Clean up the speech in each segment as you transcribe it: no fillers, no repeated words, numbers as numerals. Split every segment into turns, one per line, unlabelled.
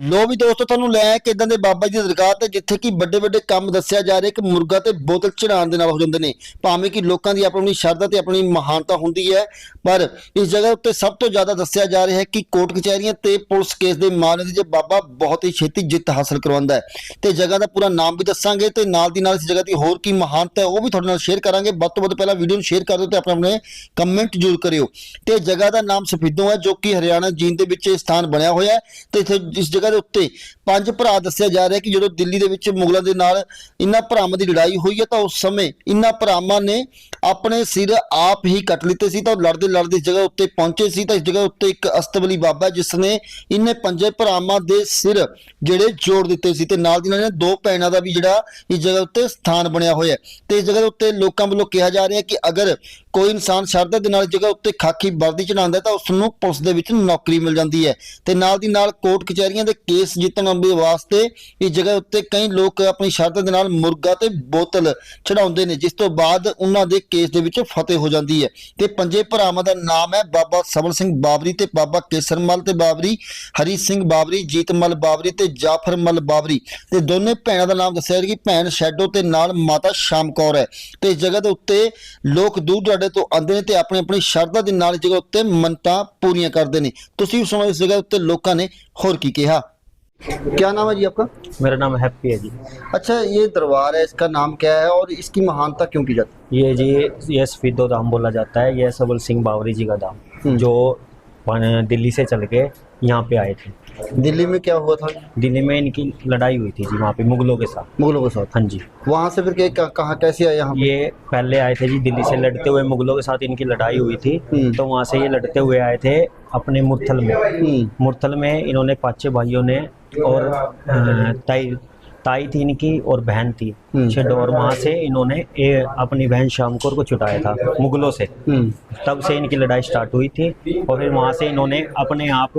लो भी दोस्तों ਤੁਹਾਨੂੰ ਲੈ ਕੇ ਇਦਾਂ ਦੇ ਬਾਬਾ ਜੀ ਦੀ ਦਰਗਾਹ ਤੇ ਜਿੱਥੇ ਕਿ ਵੱਡੇ ਵੱਡੇ ਕੰਮ ਦੱਸਿਆ ਜਾ ਰਿਹਾ ਕਿ ਮੁਰਗਾ ਤੇ ਬੋਤਲ ਚੜਾਉਣ ਦੇ ਨਾਲ ਹੋ ਜਾਂਦੇ ਨੇ ਭਾਵੇਂ ਕਿ ਲੋਕਾਂ ਦੀ ਆਪਣੀ ਸ਼ਰਧਾ ਤੇ ਆਪਣੀ ਮਹਾਨਤਾ ਹੁੰਦੀ ਹੈ ਪਰ ਇਸ ਜਗ੍ਹਾ ਉੱਤੇ ਸਭ ਤੋਂ ਜ਼ਿਆਦਾ ਦੱਸਿਆ ਜਾ ਰਿਹਾ ਹੈ ਕਿ ਕੋਰਟ ਕਚਹਿਰੀਆਂ ਤੇ ਪੁਲਿਸ ਕੇਸ ਦੇ ਮਾਮਲੇ ਦੇ ਬਾਬਾ ਬਹੁਤ ਹੀ ਛੇਤੀ ਜਿੱਤ ਹਾਸਲ ਕਰਵਾਉਂਦਾ ਹੈ ਤੇ ਜਗ੍ਹਾ ਦਾ ਪੂਰਾ ਨਾਮ ਵੀ ਦੱਸਾਂਗੇ ਤੇ ਨਾਲ ਦੀ ਨਾਲ ਇਸ ਜਗ੍ਹਾ ਦੀ ਹੋਰ ਕੀ ਮਹਾਨਤਾ ਹੈ ਉਹ ਵੀ ਤੁਹਾਡੇ ਨਾਲ ਸ਼ੇਅਰ ਕਰਾਂਗੇ। ਵੱਧ ਤੋਂ ਵੱਧ ਪਹਿਲਾਂ ਵੀਡੀਓ ਨੂੰ ਸ਼ੇਅਰ ਕਰ ਦਿਓ ਤੇ ਆਪਣੇ ਕਮੈਂਟ ਜ਼ਰੂਰ ਕਰਿਓ। ਤੇ ਜਗ੍ਹਾ ਦਾ ਨਾਮ ਸਫੀਦੋਂ ਹੈ ਜੋ ਕਿ ਹਰਿਆਣਾ ਜੀਂਦ ਦੇ ਵਿੱਚ ਇਹ ਸਥਾਨ ਬਣਿਆ ਹੋਇਆ ਹੈ ਤੇ ਇੱਥੇ ਇਸ ਜਗ੍ਹਾ ਦੇ ਉੱਤੇ ਪੰਜ ਭਰਾ ਦੱਸਿਆ ਜਾ ਰਿਹਾ ਕਿ ਜਦੋਂ ਦਿੱਲੀ ਦੇ ਵਿੱਚ ਮੁਗਲਾਂ ਦੇ ਨਾਲ ਇਹਨਾਂ ਭਰਾਵਾਂ ਦੀ ਲੜਾਈ ਹੋਈ ਹੈ ਤਾਂ ਉਸ ਸਮੇਂ ਇਹਨਾਂ ਭਰਾਵਾਂ ਨੇ ਆਪਣੇ ਸਿਰ ਆਪ ਹੀ ਕੱਟ ਲਿੱਤੇ ਸੀ ਤਾਂ ਲੜਦੇ ਲੜਦੇ ਇਸ ਜਗ੍ਹਾ ਉੱਤੇ ਪਹੁੰਚੇ ਸੀ ਤਾਂ ਇਸ ਜਗ੍ਹਾ ਉੱਤੇ ਇੱਕ ਅਸਤਬਲੀ ਬਾਬਾ ਜਿਸ ਨੇ ਇਹਨੇ ਪੰਜੇ ਭਰਾਵਾਂ ਦੇ ਸਿਰ ਜਿਹੜੇ ਜੋੜ ਦਿੱਤੇ ਸੀ ਤੇ ਨਾਲ ਦੀ ਨਾਲ ਦੋ ਭੈਣਾਂ ਦਾ ਵੀ ਜਿਹੜਾ ਇਸ ਜਗ੍ਹਾ ਉੱਤੇ ਸਥਾਨ ਬਣਿਆ ਹੋਇਆ ਤੇ ਇਸ ਜਗ੍ਹਾ ਦੇ ਉੱਤੇ ਲੋਕਾਂ ਵੱਲੋਂ ਕਿਹਾ ਜਾ ਰਿਹਾ ਕਿ ਅਗਰ ਕੋਈ ਇਨਸਾਨ ਸ਼ਰਧਾ ਦੇ ਨਾਲ ਇਸ ਜਗ੍ਹਾ ਉੱਤੇ ਖਾਕੀ ਵਰਦੀ ਚੜਾਉਂਦਾ ਤਾਂ ਉਸ ਨੂੰ ਪੁਲਿਸ ਦੇ ਵਿੱਚ ਨੌਕਰੀ ਮਿਲ ਜਾਂਦੀ ਹੈ ਤੇ ਨਾਲ ਦੀ ਨਾਲ ਕੋਰਟ ਕਚਹਿਰੀਆਂ ਦੇ ਕੇਸ ਜਿੱਤਣ ਵਾਸਤੇ ਇਸ ਜਗ੍ਹਾ ਉੱਤੇ ਕਈ ਲੋਕ ਆਪਣੀ ਸ਼ਰਧਾ ਦੇ ਨਾਲ ਮੁਰਗਾ ਤੇ ਬੋਤਲ ਚੜਾਉਂਦੇ ਨੇ ਜਿਸ ਤੋਂ ਬਾਅਦ ਉਹਨਾਂ ਦੇ ਕੇਸ ਦੇ ਵਿੱਚ ਫਤਿਹ ਹੋ ਜਾਂਦੀ ਹੈ ਤੇ ਪੰਜੇ ਭਰਾਵਾਂ ਦਾ ਨਾਮ ਹੈ ਬਾਬਾ ਸਬਲ ਸਿੰਘ ਬਾਬਰੀ ਤੇ ਬਾਬਾ ਕੇਸਰਮਲ ਤੇ ਬਾਬਰੀ ਹਰੀ ਸਿੰਘ ਬਾਬਰੀ ਜੀਤਮਲ ਬਾਬਰੀ ਤੇ ਜਾਫਰਮਲ ਬਾਬਰੀ ਤੇ ਦੋਨੇ ਭੈਣਾਂ ਦਾ ਨਾਮ ਦੱਸਿਆ ਕਿ ਭੈਣ ਸ਼ੈਡੋ ਤੇ ਨਾਲ ਮਾਤਾ ਸ਼ਾਮ ਕੌਰ ਹੈ ਤੇ ਇਸ ਜਗ੍ਹਾ ਦੇ ਉੱਤੇ ਲੋਕ ਦੂਰ ਦਰਾਡੇ ਤੋਂ ਆਉਂਦੇ ਨੇ ਤੇ ਆਪਣੀ ਸ਼ਰਧਾ ਦੇ ਨਾਲ ਇਸ ਜਗ੍ਹਾ ਉੱਤੇ ਮੰਨਤਾਂ पूरियां करते हैं। तुसीं सुनो इस जगह उत्ते लोकां ने होर की कहा। क्या नाम है जी आपका?
मेरा नाम हैप्पी है जी।
अच्छा ये दरबार है इसका नाम क्या है और इसकी महानता क्यों की जाती
है? ये जी ये सफीदो धाम बोला जाता है। ये सबल सिंह बावरी जी का धाम जो दिल्ली से चल के यहाँ पे आए थे।
दिल्ली में क्या हुआ था?
दिल्ली में इनकी लड़ाई हुई थी जी वहाँ पे मुगलों के साथ।
मुगलों के साथ?
हाँ जी।
वहाँ से फिर कहाँ कैसे आए यहाँ?
ये पहले आए थे जी दिल्ली से लड़ते हुए, मुगलों के साथ इनकी लड़ाई हुई थी तो वहाँ से ये लड़ते हुए आए थे अपने मुरथल में। मुरथल में इन्होंने पांचे भाइयों ने और ताई थी इनकी और बहन थी छेडो और वहाँ से इन्होंने अपनी बहन शामकोर को छुटाया था मुगलों से। तब से इनकी लड़ाई स्टार्ट हुई थी और फिर वहाँ से इन्होंने अपने आप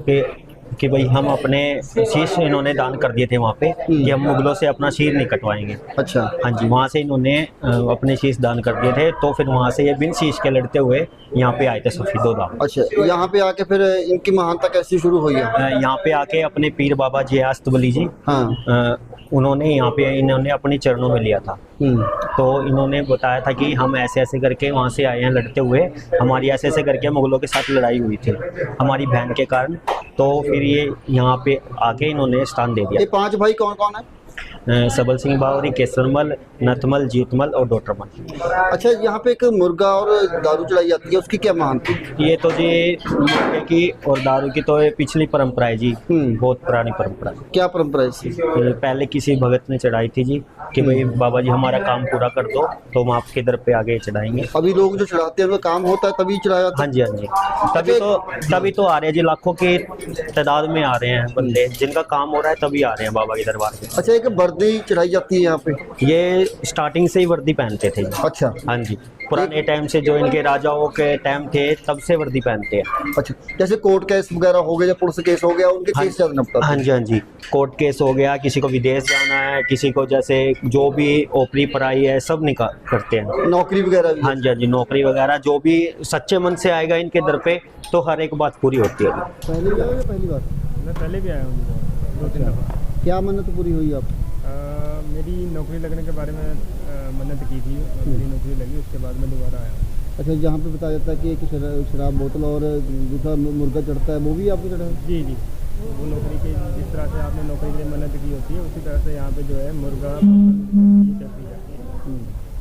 कि भाई हम अपने शीश इन्होंने दान कर दिए थे वहाँ पे कि हम मुगलों से अपना शीर नहीं कटवाएंगे।
अच्छा।
हाँ जी वहाँ से इन्होंने अपने शीश दान कर दिए थे तो फिर वहाँ से ये बिन शीश के लड़ते हुए यहाँ पे आए थे सफीदो धाम।
अच्छा यहाँ पे आके फिर इनकी महानता कैसी शुरू हुई है?
यहाँ पे आके अपने पीर बाबा जी अस्तबली जी उन्होंने यहाँ पे इन्होंने अपने चरणों में लिया था तो इन्होंने बताया था कि हम ऐसे ऐसे करके वहाँ से आए हैं लड़ते हुए, हमारी ऐसे ऐसे करके मुगलों के साथ लड़ाई हुई थी हमारी बहन के कारण। तो फिर ये यहाँ पे आके इन्होंने स्थान दे दिया।
ये पांच भाई कौन कौन है?
सबल सिंह बावरी, केसरमल, नथमल, जीतमल और डोटरमल।
अच्छा यहाँ पे एक मुर्गा और दारू चलाई जाती है उसकी क्या महानता?
ये तो जी मुर्गे की और दारू की तो पिछली परंपरा है जी, बहुत पुरानी परंपरा।
क्या परंपरा है इसकी?
पहले किसी भगत ने चढ़ाई थी जी कि भाई बाबा जी हमारा काम पूरा कर दो तो हम आपके दर पे आगे चढ़ाएंगे।
अभी लोग जो चढ़ाते हैं उनका काम होता है तभी चढ़ाया जाता है?
हाँ जी हाँ जी तभी तो आ रहे हैं जी, लाखों के तादाद में आ रहे हैं बंदे जिनका काम हो रहा है तभी आ रहे हैं बाबा के दरबार पे।
अच्छा एक वर्दी चढ़ाई जाती है यहाँ पे?
ये स्टार्टिंग से ही वर्दी पहनते थे।
अच्छा।
हाँ जी पुराने टाइम से जो इनके राजाओं के टाइम थे तब से वर्दी पहनते हैं।
अच्छा जैसे कोर्ट केस वगैरह हो गया या पुलिस केस हो गया उनके केस ज्यादा निपटते हैं?
हाँ जी हाँ जी कोर्ट केस हो गया, किसी को विदेश जाना है, किसी को जैसे जो भी ओपरी पढ़ाई है सब निकाल करते हैं।
नौकरी वगैरह भी?
हाँ जी हाँ जी नौकरी वगैरह जो भी सच्चे मन से आएगा इनके दर पे तो हर एक बात पूरी होती है।
पहली बार या पहली बार?
मैं पहले भी आया हूँ 2-3 दफ़ा।
क्या मन्नत पूरी हुई आप?
मेरी नौकरी लगने के बारे में मन्नत की थी, मेरी नौकरी लगी उसके बाद मैं दोबारा आया।
अच्छा जहाँ पे बताया जाता है कि एक शराब बोतल और दूसरा मुर्गा चढ़ता है वो भी आपको चढ़ा है?
जी जी वो नौकरी की जिस तरह से आपने नौकरी के लिए मन्नत की होती है उसी तरह से यहाँ पे जो है मुर्गा चढ़ती जाती है।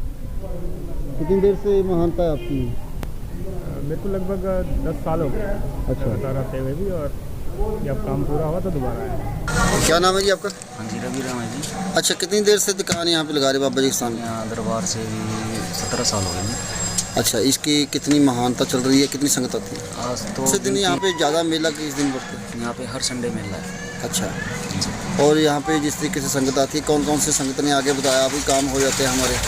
कितनी देर से महानता है आपकी?
मेरे को लगभग 10 साल हो गए। अच्छा रहते हुए भी और जब काम पूरा हुआ तो दोबारा आया।
क्या नाम है जी आपका?
हाँ जी रवि राम है जी।
अच्छा कितनी देर से दुकान यहाँ पे लगा रहे बाबा जी के सामने?
यहाँ दरबार से भी 17 साल हो गए जी।
अच्छा इसकी कितनी महानता चल रही है, कितनी संगत आती है?
आज तो
इस दिन यहाँ पे ज़्यादा मेला किस दिन पड़ता है?
यहाँ पे हर संडे मेला है।
अच्छा और यहाँ पे जिस तरीके से संगत आती है कौन कौन से संगत ने आगे बताया अभी काम हो जाते हैं हमारे?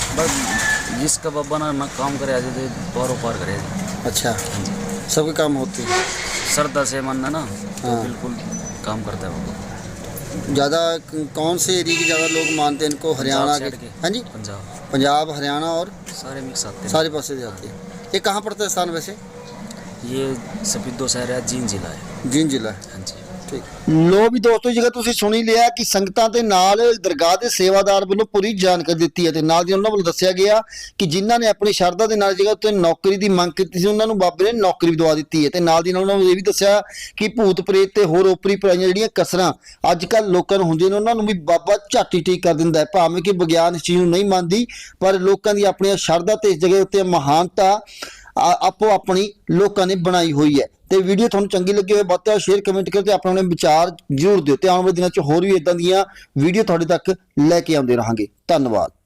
बस जिसका बाबा ना काम करे आज तो पारों पार करे।
अच्छा सबके काम होते हैं
श्रद्धा से मानना ना तो बिल्कुल काम करता है वो।
ज़्यादा कौन से एरिया के ज़्यादा लोग मानते हैं इनको? हरियाणा के? हाँ जी पंजाब हरियाणा और
सारे मिक्स आते हैं,
सारे पास से जाते हैं। ये कहाँ पड़ता है स्थान वैसे?
ये सफीदो शहर है, जींद जिला है।
जींद जिला है?
हाँ जी।
ਲੋ ਵੀ ਦੋਸਤੋ, ਜੇਕਰ ਤੁਸੀਂ ਸੁਣੀ ਲਿਆ ਕਿ ਸੰਗਤਾਂ ਦੇ ਨਾਲ ਦਰਗਾਹ ਦੇ ਸੇਵਾਦਾਰ ਵੱਲੋਂ ਪੂਰੀ ਜਾਣਕਾਰੀ ਦਿੱਤੀ ਹੈ ਤੇ ਨਾਲ ਦੀ ਉਹਨਾਂ ਵੱਲੋਂ ਦੱਸਿਆ ਗਿਆ ਕਿ ਜਿਨ੍ਹਾਂ ਨੇ ਆਪਣੀ ਸ਼ਰਧਾ ਦੇ ਨਾਲ ਜਗ੍ਹਾ ਉੱਤੇ ਨੌਕਰੀ ਦੀ ਮੰਗ ਕੀਤੀ ਸੀ ਉਹਨਾਂ ਨੂੰ ਬਾਬੇ ਨੇ ਨੌਕਰੀ ਵੀ ਦਵਾ ਦਿੱਤੀ ਹੈ ਤੇ ਨਾਲ ਦੀ ਨਾਲ ਉਹਨਾਂ ਨੂੰ ਇਹ ਵੀ ਦੱਸਿਆ ਕਿ ਭੂਤ ਪ੍ਰੇਤ ਤੇ ਹੋਰ ਓਪਰੀ ਪਰਾਈਆਂ ਜਿਹੜੀਆਂ ਕਸਰਾਂ ਅੱਜ ਕੱਲ੍ਹ ਲੋਕਾਂ ਨੂੰ ਹੁੰਦੀਆਂ ਨੇ ਉਹਨਾਂ ਨੂੰ ਵੀ ਬਾਬਾ ਝਾਟੀ ਠੀਕ ਕਰ ਦਿੰਦਾ ਹੈ। ਭਾਵੇਂ ਕਿ ਵਿਗਿਆਨ ਇਸ ਚੀਜ਼ ਨੂੰ ਨਹੀਂ ਮੰਨਦੀ, ਪਰ ਲੋਕਾਂ ਦੀ ਆਪਣੀਆਂ ਸ਼ਰਧਾ ਤੇ ਇਸ ਜਗ੍ਹਾ ਉੱਤੇ ਮਹਾਨਤਾ ਆਪੋ ਆਪਣੀ ਲੋਕਾਂ ਨੇ ਬਣਾਈ ਹੋਈ ਹੈ। ਤੇ ਵੀਡੀਓ ਤੁਹਾਨੂੰ ਚੰਗੀ ਲੱਗੀ ਹੋਵੇ ਵੱਧ ਤੋਂ ਵੱਧ ਸ਼ੇਅਰ ਕਮੈਂਟ ਕਰਕੇ ਆਪਣੇ ਵਿਚਾਰ ਜ਼ਰੂਰ ਦਿਓ ਤੇ ਆਉਣ ਵਾਲੇ ਦਿਨਾਂ 'ਚ ਹੋਰ ਵੀ ਇਦਾਂ ਦੀਆਂ ਵੀਡੀਓ ਤੁਹਾਡੇ ਤੱਕ ਲੈ ਕੇ ਆਉਂਦੇ ਰਹਾਂਗੇ। ਧੰਨਵਾਦ।